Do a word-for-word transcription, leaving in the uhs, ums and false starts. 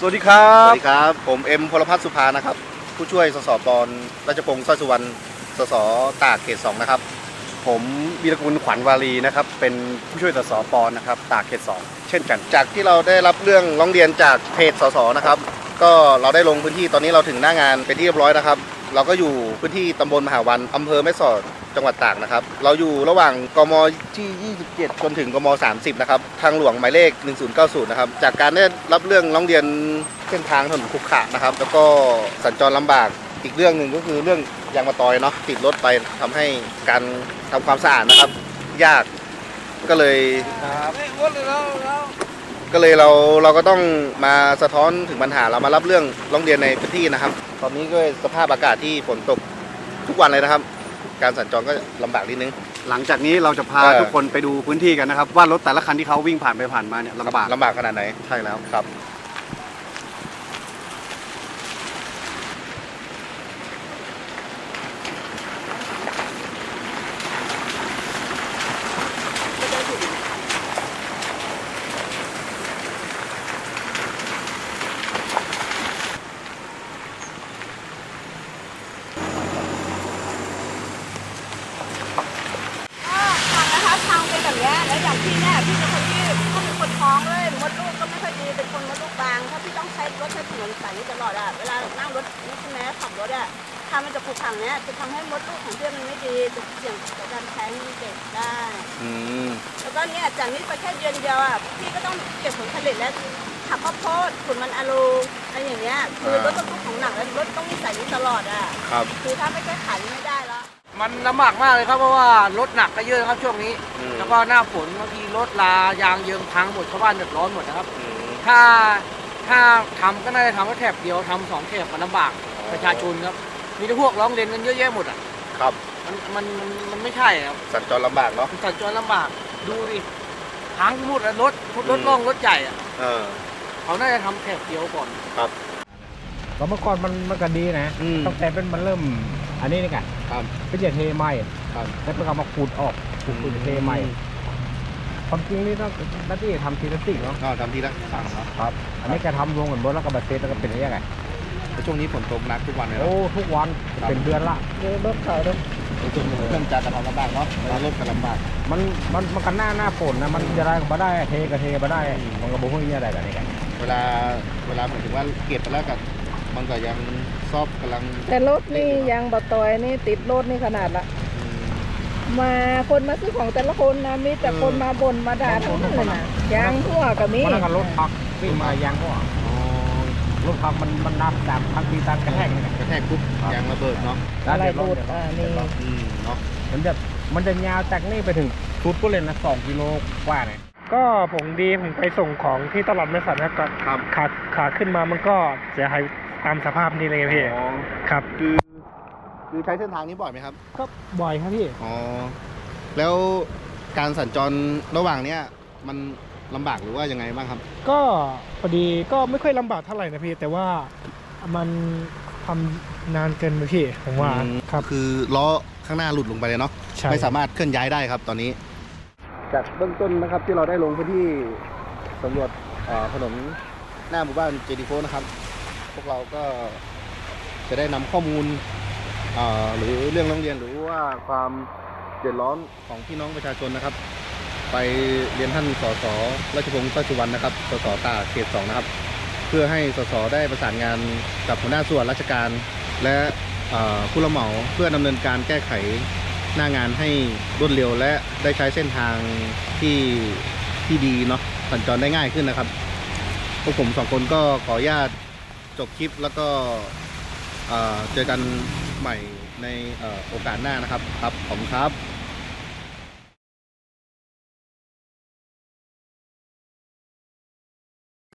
สวัสดีครับสวัสดีครับผมเอ็มพลพัฒน์สุภานะครับผู้ช่วยสสปอนราชพงศ์สร้อยสุวรรณสสตากเขตสองนะครับผมวีรกุลขวัญวารีนะครับเป็นผู้ช่วยสสปอนนะครับตากเขตสองเช่นกันจากที่เราได้รับเรื่องร้องเรียนจากเพจสสนะครับก็เราได้ลงพื้นที่ตอนนี้เราถึงหน้างานเป็นที่เรียบร้อยนะครับเราก็อยู่พื้นที่ตำบลมหาวันอำเภอแม่สอดจังหวัดตากนะครับเราอยู่ระหว่างกมที่ยี่สิบเจ็ดจนถึงกมสามสิบนะครับทางหลวงหมายเลขหนึ่งศูนย์เก้าศูนย์นะครับจากการได้รับเรื่องร้องเรียนเส้นทางถนนขรุขระนะครับแล้วก็สัญจรลำบากอีกเรื่องหนึ่งก็คือเรื่องยางมะตอยเนาะติดรถไปทำให้การทำความสะอาดนะครับยากก็เลยก็เลยเราเราก็ต้องมาสะท้อนถึงปัญหาเรามารับเรื่องร้องเรียนในพื้นที่นะครับตอนนี้ก็สภาพอากาศที่ฝนตกทุกวันเลยนะครับ การสัญจรก็ลำบากนิดนึงหลังจากนี้เราจะพาเออทุกคนไปดูพื้นที่กันนะครับว่ารถแต่ละคันที่เขาวิ่งผ่านไปผ่านมาเนี่ยลำบากลำบากขนาดไหนใช่แล้วครับทางเป็นแบบนี้แล้วอย่างพี่เนี่ยพี่เป็นคนที่ถ้าเป็นคนท้องเลยมดลูกก็ไม่ค่อยดีเป็นคนมดลูกบางถ้าพี่ต้องใช้รถใช้ถนนสายนี้ตลอดอะเวลานั่งรถนี่ใช่ไหมขับรถอะถ้ามันจะขรุขระเนี้ยจะทำให้มดลูกของพี่มันไม่ดีจะเสี่ยงต่อการแท้งเด็กได้แล้วก็เนี่ยจากนี้ไปแค่เดือนเดียวอะพี่ก็ต้องเก็บผลผลิตแล้วขับข้าวโพดขุนมันอะลูอะไรอย่างเงี้ยคือรถต้องของหนักแล้วรถต้องมีสายนี้ตลอดอะครับคือถ้าไม่แก้ไขไม่ได้แล้วมันลำบากมากเลยครับเพราะว่ารถหนักก็เยอะครับช่วงนี้แล้วก็หน้าฝนบางทีรถลายางเยิงพังหมดชาวบ้านเดือดร้อนหมดนะครับถ้าถ้าทำก็น่าจะทำแค่แถบเดียวทำสองแถบมันลำบากประชาชนครับมีแต่พวกร้องเรียนกันเยอะแยะหมดอ่ะครับมันมันมันมันไม่ใช่ครับสัญจรลำบากเนาะสัญจรลำบากดูดิพังหมดรถรถล่องรถใหญ่อ่ะเขาน่าจะทำแถบเดียวก่อนครับก็เมื่อก่อนมันมันก็ดีนะตั้งแต่เป็นมันเริ่มอันนี้นี่ไงเป็นเหยียดเทใหม่แล้วเป็นการมาขูดออกขูดขูดเทใหม่ความจริงนี่ต้องหน้าที่ทำทีละสิ่งเนาะทำทีละสั่งเนาะครับอันนี้แกทำรวมกันบนแล้วก็บัตเซ็ตแล้วก็เป็นยังไงช่วงนี้ฝนตกหนักทุกวันเลยโอ้ทุกวันเป็นเดือนละรถเขาด้วยจนเรื่องจากกระทำลำบากเนาะรถกระลำบากมันมันมันกันหน้าหน้าฝนนะมันจะได้ก็ได้เทก็เทมาได้มันก็บุ้งนี่อะไรแบบนี้กันเวลาเวลาหมายถึงว่าเก็บไปแล้วกับมันก็ยังซอบกำลังแต่รถนี่ยังบะตอยนี่ติดรถนี่ขนาดละมาคนมาซื้อของแต่ละคนนะมีแต่คนมาบ่นมาด่าทั้งนั้นเลยนะยางทั่วกับมีมันก็รถพักวิ่งมายางทั่วรถพักมันมันนับตามทางทีตามกระแทกกระแทกปุ๊บยางระเบิดเนาะอะไรบูดอ่านี่เนาะมันจะมันจะยาวจากนี่ไปถึงชุดก็เลยนะสองกิโลกว่าเนี่ยก็ผมดีผมไปส่งของที่ตลาดแม่สันนะก็ขาขาขึ้นมามันก็เสียหายตามสภาพนี่เลยพี่ครับคือคือใช้เส้นทางนี้บ่อยไหมครับก็บ่อยครับพี่อ๋อแล้วการสัญจรระหว่างเนี้ยมันลำบากหรือว่ายังไงบ้างครับก็พอดีก็ไม่ค่อยลำบากเท่าไหร่นะพี่แต่ว่ามันทำนานเกินไปพี่ผมว่าครับคือล้อข้างหน้าหลุดลงไปเลยเนาะไม่สามารถเคลื่อนย้ายได้ครับตอนนี้จากเบื้องต้นนะครับที่เราได้ลงพื้นที่สำรวจถนนหน้าหมู่บ้านเจดีโฟนะครับพวกเราก็จะได้นำข้อมูลหรือเรื่องร้องเรียนหรือว่าความเดือดร้อนของพี่น้องประชาชนนะครับไปเรียนท่านสสราชพงศ์สร้อยสุวรรณนะครับสสตากเขตสองนะครับเพื่อให้สสได้ประสานงานกับหัวหน้าส่วนราชการและผู้รับเหมาเพื่อดำเนินการแก้ไขหน้างานให้รวดเร็วและได้ใช้เส้นทางที่ที่ดีเนาะสัญจรได้ง่ายขึ้นนะครับพวกผมสองคนก็ขออนุญาตจบคลิปแล้วก็เจอกันใหม่ในโอกาสหน้านะครับครับขอบคุณครับ